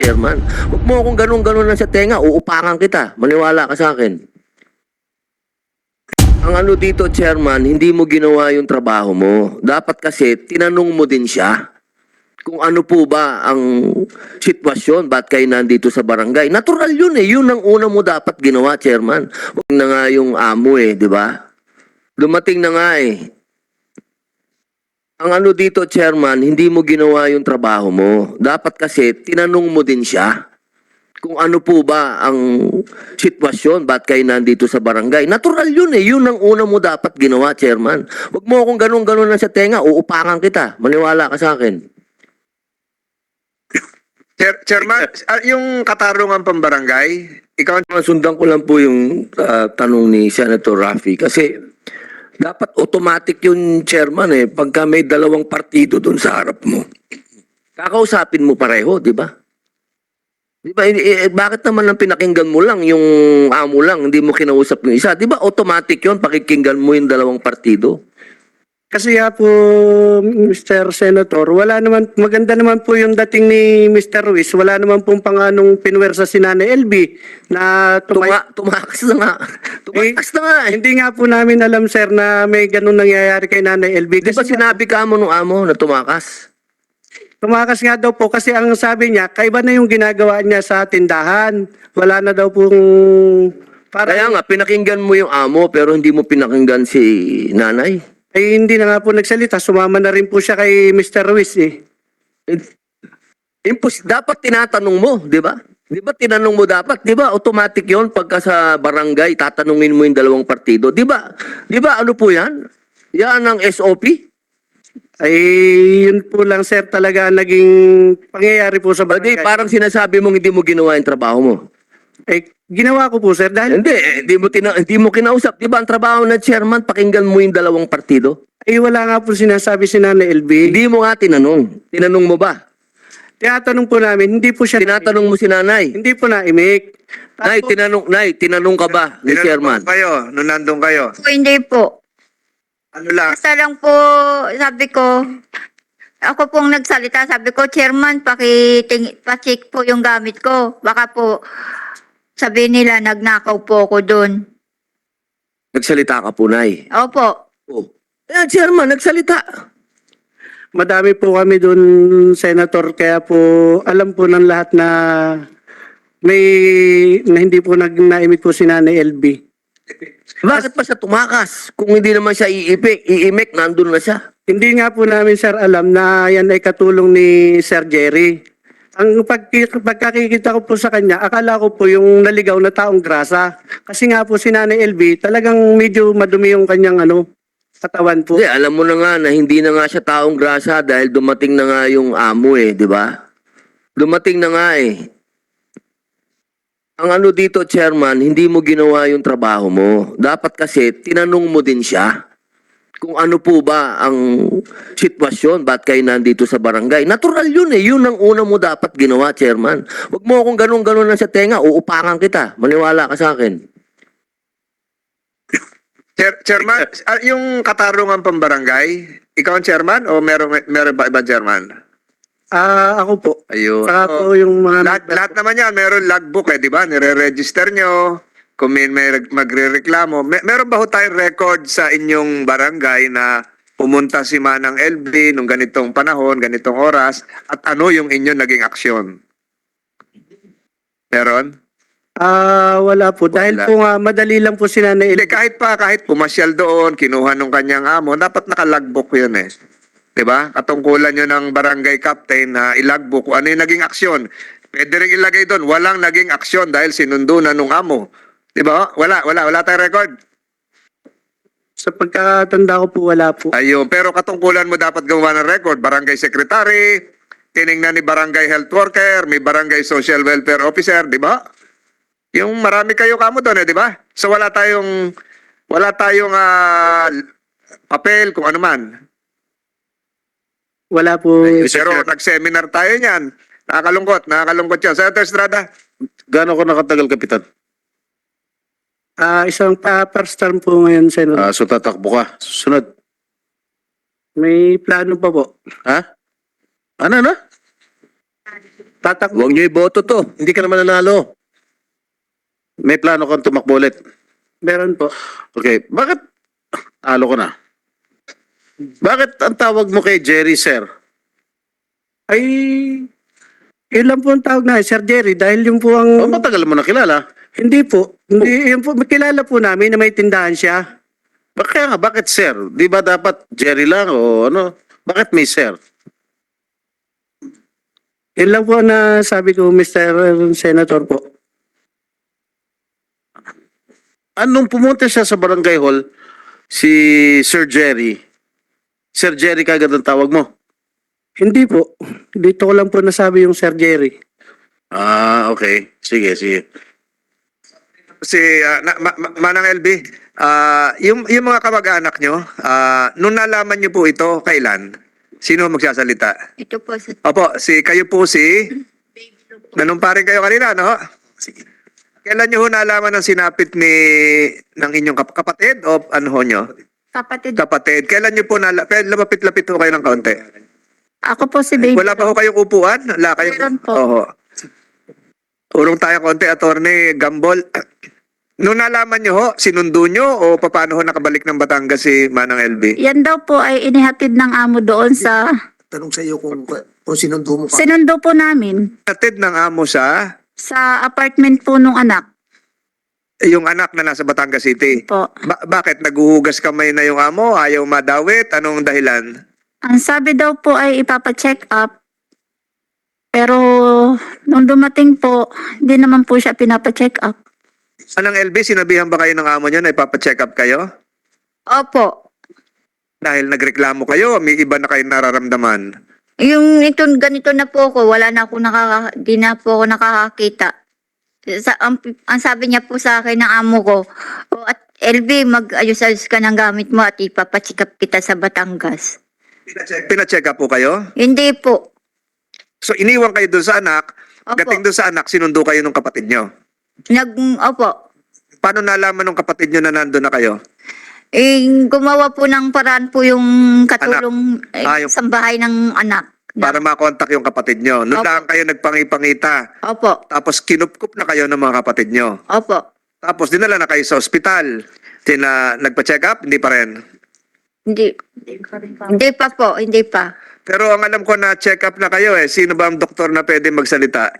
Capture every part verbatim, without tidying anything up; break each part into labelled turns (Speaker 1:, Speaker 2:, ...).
Speaker 1: Chairman. Huwag mo akong ganun-ganun lang sa tenga, uupakan kita. Maniwala ka sa akin. Ang ano dito, Chairman, hindi mo ginawa yung trabaho mo. Dapat kasi, tinanong mo din siya kung ano po ba ang sitwasyon, ba't kayo nandito sa barangay. Natural yun eh, yun ang una mo dapat ginawa, Chairman. Huwag na nga yung amo eh, di ba? Dumating na nga eh. Ang ano dito, Chairman, hindi mo ginawa yung trabaho mo. Dapat kasi, tinanong mo din siya kung ano po ba ang sitwasyon, ba't kayo nandito sa barangay. Natural yun eh, yun ang una mo dapat ginawa, Chairman. Huwag mo akong ganun-ganun lang sa tenga, uupakan kita. Maniwala ka sa akin.
Speaker 2: Chair, Chairman, ah, yung katarungan pambarangay, ikaw
Speaker 1: Sundan ko lang po yung ah, tanong ni Senator Raffy kasi dapat automatic yung chairman eh pagka may dalawang partido doon sa harap mo. Kakausapin mo pareho, di ba? Di ba, eh, eh, bakit naman ang pinakinggan mo lang, yung amo lang, hindi mo kinausap yung isa? Di ba automatic yun, pakikinggan mo yung dalawang partido?
Speaker 3: Kasi nga po, Mister Senator, wala naman, maganda naman po yung dating ni Mister Ruiz. Wala naman pong panganong pinwersa si Nanay L B na tumay...
Speaker 1: Tuma tumakas na nga. Tumakas na nga eh.
Speaker 3: Hindi nga po namin alam, sir, na may ganun nangyayari kay Nanay L B.
Speaker 1: Di ba
Speaker 3: Kasi
Speaker 1: sinabi ka mo nung amo na tumakas?
Speaker 3: tumakas nga daw po kasi ang sabi niya, kaiba na yung ginagawa niya sa tindahan. Wala na daw pong... Para,
Speaker 1: Kaya nga, pinakinggan mo yung amo pero hindi mo pinakinggan si nanay.
Speaker 3: ay hindi na nga po nagsalita. Sumama na rin po siya kay Mister Ruiz eh.
Speaker 1: Impos dapat tinatanong mo, di ba? Di ba tinanong mo dapat? Di ba automatic yon pagka sa barangay, tatanungin mo yung dalawang partido. Di ba? Di ba ano po yan? Yan ang S O P?
Speaker 3: Ay, yun po lang, sir, talaga naging pangyayari po sa
Speaker 1: Hindi,
Speaker 3: barangay.
Speaker 1: parang sinasabi mong hindi mo ginawa yung trabaho mo.
Speaker 3: Eh, ginawa ko po, sir, dahil
Speaker 1: Hindi, eh, hindi mo, tina hindi mo kinausap. Di ba ang trabaho ng chairman, pakinggan mo yung dalawang partido?
Speaker 3: ay wala nga po sinasabi si Nanay L B.
Speaker 1: Hindi mo nga tinanong. Tinanong mo ba?
Speaker 3: Tinatanong po namin, hindi po siya...
Speaker 1: Tinatanong mo si nanay.
Speaker 3: Hindi po na-imik.
Speaker 1: Nay, tinanong, nay, tinanong ka ba ni
Speaker 2: tinanong
Speaker 1: chairman?
Speaker 2: kayo, nung nandun kayo.
Speaker 4: Po, hindi po.
Speaker 2: Ano lang,
Speaker 4: Basta lang po, sabi ko, ako pong nagsalita, sabi ko, Chairman, pakiting, pacheck po yung gamit ko. Baka po, sabi nila, nagnakaw po ako doon.
Speaker 1: Nagsalita ka po, nay.
Speaker 4: Opo.
Speaker 1: Oh. Eh, chairman, nagsalita.
Speaker 3: Madami po kami doon, Senator, kaya po alam po ng lahat na may na hindi po nag naimik po si Nanay L B.
Speaker 1: Bakit pa siya tumakas? Kung hindi naman siya iipik, iimik, nandun na siya.
Speaker 3: Hindi nga po namin, sir, alam na yan ay katulong ni Sir Jerry. Ang pag, pagkakikita ko po sa kanya, akala ko po yung naligaw na taong grasa. Kasi nga po si Nanay L B, talagang medyo madumi yung kanyang ano, katawan po.
Speaker 1: Hindi, alam mo na nga na hindi na nga siya taong grasa dahil dumating na nga yung amo eh, di ba? Dumating na nga eh. Ang ano dito, chairman, hindi mo ginawa yung trabaho mo. Dapat kasi, tinanong mo din siya kung ano po ba ang sitwasyon, ba't kayo nandito sa barangay. Natural yun eh, yun ang una mo dapat ginawa, chairman. Huwag mo akong ganun-ganun lang sa tenga, uupakan kita. Maniwala ka sa akin.
Speaker 2: Chair, Chairman, ah, yung katarungan pambarangay, ikaw ang chairman o meron, meron ba ibang chairman?
Speaker 3: Ah, ako po.
Speaker 2: Ayun.
Speaker 3: Saka
Speaker 2: Oh,
Speaker 3: po yung mga...
Speaker 2: lahat, lahat naman yan, meron logbook eh, di ba? Nire-register nyo, kung may, may reg- magre-reklamo. May, meron ba ho tayong record sa inyong barangay na pumunta si Manang L B nung ganitong panahon, ganitong oras, at ano yung inyong naging aksyon? Meron?
Speaker 3: Ah, wala po. Dahil
Speaker 2: Wala.
Speaker 3: po nga, madali lang po si Nanay L
Speaker 2: Hindi,
Speaker 3: B.
Speaker 2: kahit pa, kahit pumasyal doon, kinuha nung kanyang amo, dapat naka-logbook yun eh. Diba? Katungkulan nyo ng barangay captain na ilagbook kung ano yung naging aksyon. Pwede rin ilagay doon, walang naging aksyon dahil sinundo na nung amo. Diba? Wala, wala, wala tayong record.
Speaker 3: Sa pagkatanda ko po, wala po.
Speaker 2: Ayun, pero katungkulan mo dapat gumawa ng record. Barangay secretary, tiningnan ni barangay health worker, may barangay social welfare officer, di ba? Yung marami kayo kamo doon, eh, di ba? So wala tayong, wala tayong ah, papel kung ano man.
Speaker 3: Wala po.
Speaker 2: Pero nag-seminar tayo niyan. Nakakalungkot, nakakalungkot yan. Senator Estrada.
Speaker 5: Gaano ko nakatagal, Kapitan?
Speaker 3: Ah, isang pa first term po ngayon, Senator.
Speaker 5: Ah, so tatakbo ka. Susunod.
Speaker 3: May plano pa po.
Speaker 5: Ha? Ano na?
Speaker 3: Tatakbo.
Speaker 1: Huwag niyo iboto to.
Speaker 5: Hindi ka naman nanalo. May plano kang tumakbo ulit.
Speaker 3: Meron po.
Speaker 5: Okay, bakit? Talo ko na. Bakit ang tawag mo kay Jerry, sir?
Speaker 3: Ay, yun lang po ang tawag na, Sir Jerry, dahil yung po
Speaker 5: O,
Speaker 3: ang...
Speaker 5: matagal mo na kilala.
Speaker 3: Hindi po. Hindi, yun po, kilala po namin na may tindahan siya.
Speaker 5: Ba- Kaya nga, bakit sir? Di ba dapat Jerry lang o ano? Bakit may sir?
Speaker 3: Yun lang po na sabi ko, Mister Senator po.
Speaker 5: Anong pumunta siya sa barangay hall, si Sir Jerry, Sir Jerry kagad ang tawag mo?
Speaker 3: Hindi po. Dito ko lang po nasabi yung Sir Jerry.
Speaker 5: Ah, okay. Sige, sige.
Speaker 2: Si ah, na, ma, ma- Manang L B, ah, yung yung mga kamag-anak nyo, ah, nung nalaman nyo po ito, kailan? Sino magsasalita?
Speaker 4: Ito po sa
Speaker 2: Opo, si kayo po si nanumparin kayo kanina, no? Sige. Kailan nyo ho nalaman ng sinapit ni ng inyong kap- kapatid o ano ho nyo?
Speaker 4: kapatid.
Speaker 2: Kapatid. Kailan nyo po nala kailan lapit-lapit ho kayo ng kaunti?
Speaker 4: Ako po si Baby.
Speaker 2: Wala pa ho kayong upuan? Wala kayong
Speaker 4: Meron po.
Speaker 2: Oho. Urong tayo konti, Attorney Gambol. Nung nalaman nyo ho, sinundo nyo o paano ho nakabalik ng Batangas si Manang L B?
Speaker 6: Yan daw po ay inihatid ng amo doon sa...
Speaker 7: Tanong sa iyo kung, kung sinundo mo pa.
Speaker 6: Sinundo po namin
Speaker 2: Atid ng amo sa
Speaker 6: sa apartment po nung anak
Speaker 2: yung anak na nasa Batangas City.
Speaker 6: po.
Speaker 2: Ba- bakit? Naguhugas kamay na yung amo? Ayaw madawit? Anong dahilan?
Speaker 6: Ang sabi daw po ay ipapacheck up. Pero nung dumating po, hindi naman po siya pinapacheck up.
Speaker 2: Anang L B, sinabihan ba kayo ng amo nyo na ipapacheck up kayo?
Speaker 4: Opo.
Speaker 2: Dahil nagreklamo kayo, may iba na kayo nararamdaman.
Speaker 4: Yung ito, ganito na po ako, wala na ako nakaka, di na po ako nakakakita. Sa, ang, ang sabi niya po sa akin ng amo ko, o at L B, mag-ayos-ayos ka ng gamit mo at ipapachikap kita sa Batangas.
Speaker 2: Pinacheck, pinacheck up po kayo?
Speaker 4: Hindi po.
Speaker 2: So iniwan kayo doon sa anak,
Speaker 4: Opo.
Speaker 2: gating doon sa anak, sinundo kayo ng kapatid nyo.
Speaker 4: Nag, opo.
Speaker 2: Paano nalaman ng kapatid nyo na nandun na kayo?
Speaker 4: Eh, gumawa po ng paraan po yung katulong eh,
Speaker 2: Ah, yung-
Speaker 4: sa bahay ng anak.
Speaker 2: Para makontak yung kapatid nyo. Noon
Speaker 4: Opo.
Speaker 2: lang kayo nagpangipangita.
Speaker 4: Opo.
Speaker 2: Tapos kinupkup na kayo ng mga kapatid nyo.
Speaker 4: Opo.
Speaker 2: Tapos dinala na kayo sa ospital. Tina, nagpa-check up? Hindi pa rin.
Speaker 4: Hindi. Hindi pa po. Hindi pa.
Speaker 2: Pero ang alam ko na check up na kayo eh. Sino ba ang doktor na pwede magsalita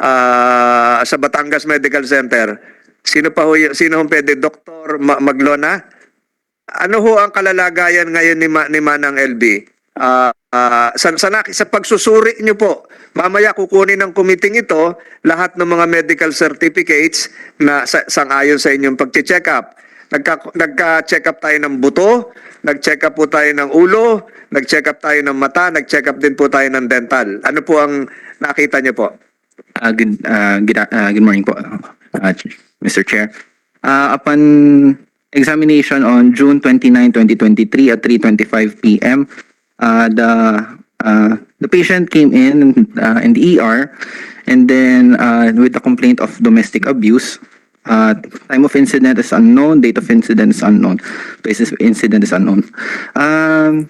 Speaker 2: Ah, sa Batangas Medical Center? Sino pa ho, y- sino ang pwede? Doktor Ma- Maglona? Ano ho ang kalalagayan ngayon ni, Ma- ni Manang L B? Ah, ah, sa, sa, nak- sa pagsusuri nyo po, mamaya kukunin ng committee ito lahat ng mga medical certificates na sa, sangayon sa inyong pag-check up. Nagka, nagka-check up tayo ng buto, nag-check up po tayo ng ulo, nag-check up tayo ng mata, nag-check up din po tayo ng dental. Ano po ang nakita nyo po?
Speaker 8: Uh, good, uh, good, uh, good morning po, uh, Mister Chair. Uh, upon examination on June twenty-ninth, twenty twenty-three at three twenty-five p m, uh, the uh, the patient came in uh, in the E R and then uh, with a complaint of domestic abuse. Uh, time of incident is unknown, date of incident is unknown, basis of incident is unknown. Um,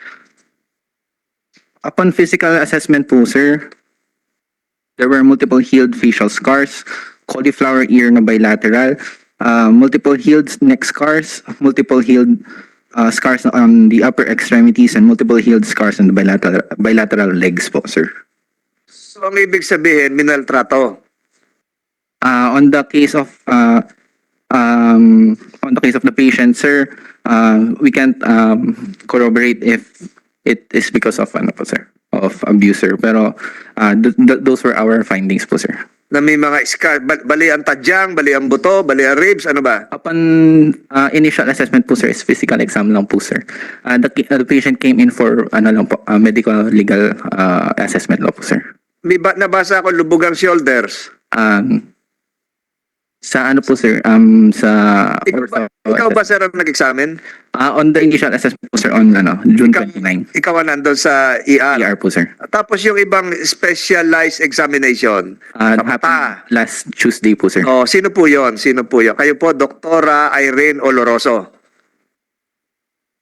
Speaker 8: upon physical assessment po, sir, there were multiple healed facial scars, cauliflower ear na bilateral, uh, multiple healed neck scars, multiple healed uh, scars on the upper extremities, and multiple healed scars on the bilateral, bilateral legs po, sir.
Speaker 2: So ang ibig sabihin, minaltrato.
Speaker 8: Uh, on the case of uh, um, on the case of the patient, sir, uh, we can't um, corroborate if it is because of ano po, sir, of abuser. Pero uh, th- th- those were our findings po, sir.
Speaker 2: Na may mga scar, bal- bali ang tadyang, bali ang buto, bali ang ribs, ano ba?
Speaker 8: Upon uh, initial assessment po, sir, is physical exam lang po, sir. Uh, the, uh, the patient came in for ano lang po, uh, medical legal uh, assessment lang po, sir.
Speaker 2: May ba- nabasa ko lubugang shoulders.
Speaker 8: Um, sa ano po, sir, um, sa
Speaker 2: Ikaw ba, ikaw ba sir ang nag-examine?
Speaker 8: Uh, on the initial assessment po, sir, on ano, June
Speaker 2: Ikaw-
Speaker 8: twenty-ninth,
Speaker 2: Ikaw ang nandun sa E R.
Speaker 8: E R po, sir.
Speaker 2: Tapos yung ibang specialized examination.
Speaker 8: Uh,
Speaker 2: Sa mata.
Speaker 8: happened last Tuesday po, sir.
Speaker 2: Oh, sino po yon? Sino po yon? Kayo po, Doktora Irene Oloroso.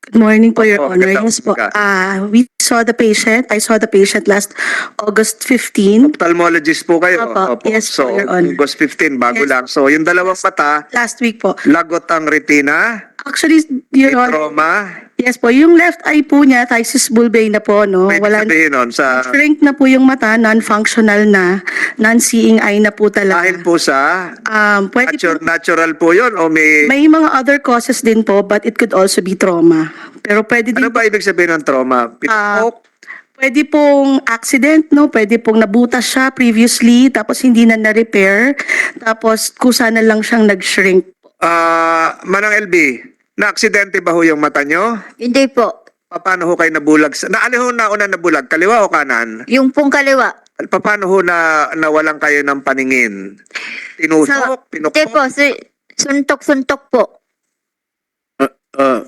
Speaker 9: Good morning po, Your
Speaker 2: Opo,
Speaker 9: Honor.
Speaker 2: magandang
Speaker 9: Yes po.
Speaker 2: umaga.
Speaker 9: Ah, we saw the patient. I saw the patient last August fifteenth.
Speaker 2: Ophthalmologist po kayo.
Speaker 9: Opo, yes
Speaker 2: so,
Speaker 9: po, Your Honor.
Speaker 2: August fifteen, bago
Speaker 9: Yes
Speaker 2: lang. So, yung dalawang mata,
Speaker 9: Last week po.
Speaker 2: lagot ang retina,
Speaker 9: Actually,
Speaker 2: may
Speaker 9: Your Honor,
Speaker 2: trauma.
Speaker 9: yes po, yung left eye po niya, thysis bulbae na po, no?
Speaker 2: May
Speaker 9: Wala,
Speaker 2: sabihin nun sa...
Speaker 9: shrink na po yung mata, non-functional na, non-seeing eye na po talaga.
Speaker 2: Dahil po sa...
Speaker 9: Um, pwede po,
Speaker 2: Natural, natural po yun o may...
Speaker 9: may mga other causes din po, but it could also be trauma. Pero pwede din
Speaker 2: Ano ba ibig sabihin ng trauma?
Speaker 9: Ah,
Speaker 2: Pinupok?
Speaker 9: Pwede pong accident, no? Pwede pong nabutas siya previously, tapos hindi na na-repair, tapos kusa na lang siyang nag-shrink.
Speaker 2: Ah, Manang L B, na-aksidente ba ho yung mata nyo?
Speaker 4: Hindi po.
Speaker 2: Paano ho kayo nabulag? Sa, na, ano ho na una nabulag? Kaliwa o kanan?
Speaker 4: Yung pong kaliwa.
Speaker 2: Paano ho na nawalan kayo ng paningin? Tinusok?
Speaker 4: Hindi
Speaker 2: Pinukpok?
Speaker 4: po. Si- suntok-suntok po.
Speaker 5: Uh, uh,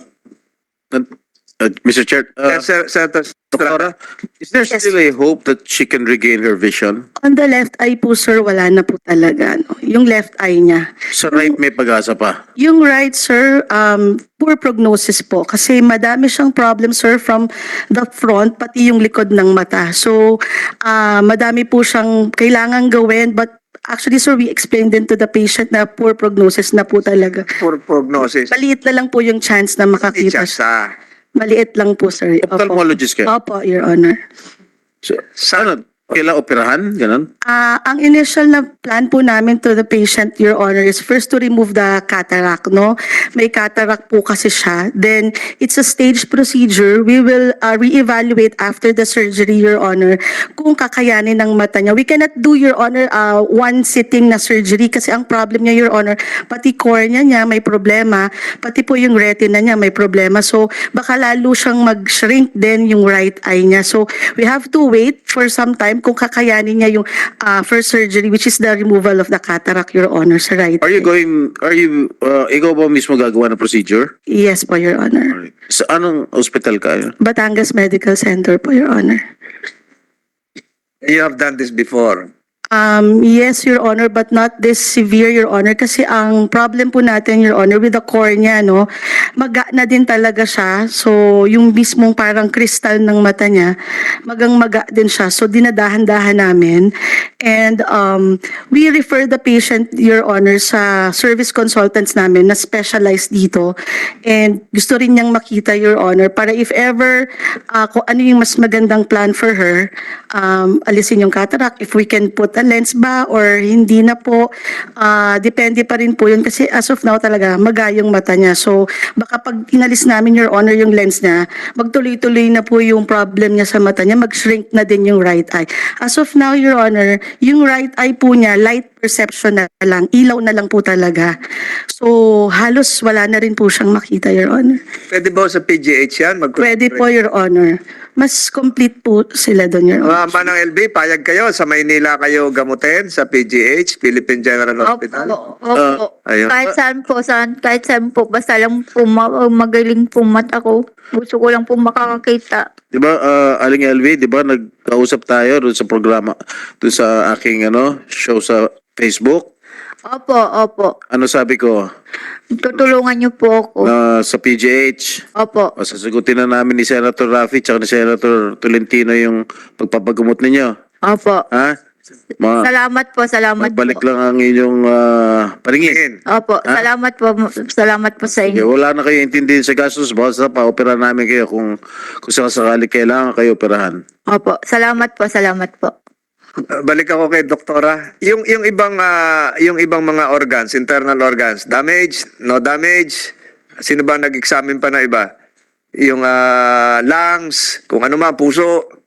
Speaker 5: uh, Mister Chair, uh,
Speaker 2: Yes, Sir, Senator Estrada.
Speaker 5: is there
Speaker 9: Yes.
Speaker 5: still a hope that she can regain her vision?
Speaker 9: On the left eye po, sir, wala na po talaga, no? Yung left eye niya.
Speaker 5: Sa right may pag-asa pa.
Speaker 9: Yung right, sir, um, poor prognosis po. Kasi madami siyang problem, sir, from the front, pati yung likod ng mata. So, ah, madami po siyang kailangan gawin, but actually, sir, we explained din to the patient na poor prognosis na po talaga.
Speaker 2: For prognosis.
Speaker 9: Maliit na lang po yung chance na makakita
Speaker 2: Teachers,
Speaker 9: siya.
Speaker 2: ah.
Speaker 9: Maliit lang po, sir. Opo.
Speaker 5: Ophthalmologist ka?
Speaker 9: Opo, Your Honor.
Speaker 5: So, ano, kailangan operahan? Ganon?
Speaker 9: Ah, ang initial na plan po namin to the patient, Your Honor, is first to remove the cataract, no? May cataract po kasi siya. Then, it's a staged procedure. We will uh, reevaluate after the surgery, Your Honor, kung kakayanin ng mata niya. We cannot do, Your Honor, uh, one sitting na surgery kasi ang problem niya, Your Honor, pati cornea niya may problema, pati po yung retina niya may problema. So, baka lalo siyang mag-shrink din yung right eye niya. So, we have to wait for some time kung kakayanin niya yung uh, first surgery, which is the removal of the cataract, Your Honor, sa right
Speaker 5: Are you
Speaker 9: eye.
Speaker 5: going, are you, uh, ikaw ba mismo gagawa ng procedure?
Speaker 9: Yes po, Your Honor.
Speaker 5: Sa anong hospital ka?
Speaker 9: Batangas Medical Center po, Your Honor.
Speaker 2: You have done this before.
Speaker 9: Um, yes, Your Honor, but not this severe, Your Honor. Kasi ang problem po natin, Your Honor, with the cornea, no, maga na din talaga siya. So, yung mismong parang kristal ng mata niya, magang-maga din siya. So, dinadahan-dahan namin. And um, we refer the patient, Your Honor, sa service consultants namin na specialized dito. And gusto rin niyang makita, Your Honor, para if ever uh, kung ano yung mas magandang plan for her, um, alisin yung cataract, if we can put a lens ba or hindi na po, ah, depende pa rin po yun kasi as of now talaga magayong mata niya. So baka pag inalis namin, Your Honor, yung lens niya, magtuloy-tuloy na po yung problem niya sa mata niya, mag-shrink na din yung right eye. As of now, Your Honor, yung right eye po niya, light perception na lang, ilaw na lang po talaga. So halos wala na rin po siyang makita, Your Honor.
Speaker 2: Pwede ba sa P G H yan? Mag-
Speaker 9: Pwede po, Your Honor. Mas complete po sila doon, Your
Speaker 2: Mga
Speaker 9: Honor.
Speaker 2: Manang L B, payag kayo sa Maynila kayo gamutin sa P G H, Philippine General Hospital.
Speaker 4: Opo. Opo.
Speaker 2: ayun.
Speaker 4: Kahit saan po, saan, kahit saan po, basta lang po ma- magaling po mata ko. Gusto ko lang po makakakita.
Speaker 5: Di ba, uh, Aling L V, di ba, nagkausap tayo doon sa programa, doon sa aking ano, show sa Facebook.
Speaker 4: Opo, opo.
Speaker 5: Ano sabi ko?
Speaker 4: Tutulungan niyo po ako.
Speaker 5: Na sa P G H,
Speaker 4: Opo.
Speaker 5: o sasagutin na namin ni Senator Raffy at ni Senator Tolentino yung pagpapagamot ninyo.
Speaker 4: Opo.
Speaker 5: Ha? Mga,
Speaker 4: Salamat po, salamat
Speaker 5: magbalik
Speaker 4: po.
Speaker 5: lang ang inyong uh, paringin.
Speaker 2: Tingin.
Speaker 4: Opo,
Speaker 5: Ha?
Speaker 4: salamat po. Salamat po sa
Speaker 5: Okay,
Speaker 4: inyo.
Speaker 5: wala na kayo intindihin sa gastos, basta pa-opera namin kayo kung, kung sakasakali kailangan kayo operahan.
Speaker 4: Opo, salamat po, salamat po.
Speaker 2: Uh, balik ako kay doktora. Yung yung ibang ah, yung ibang mga organs, internal organs, damage, no damage. Sino ba nag-examine pa na iba? Yung ah, lungs, kung ano man, puso.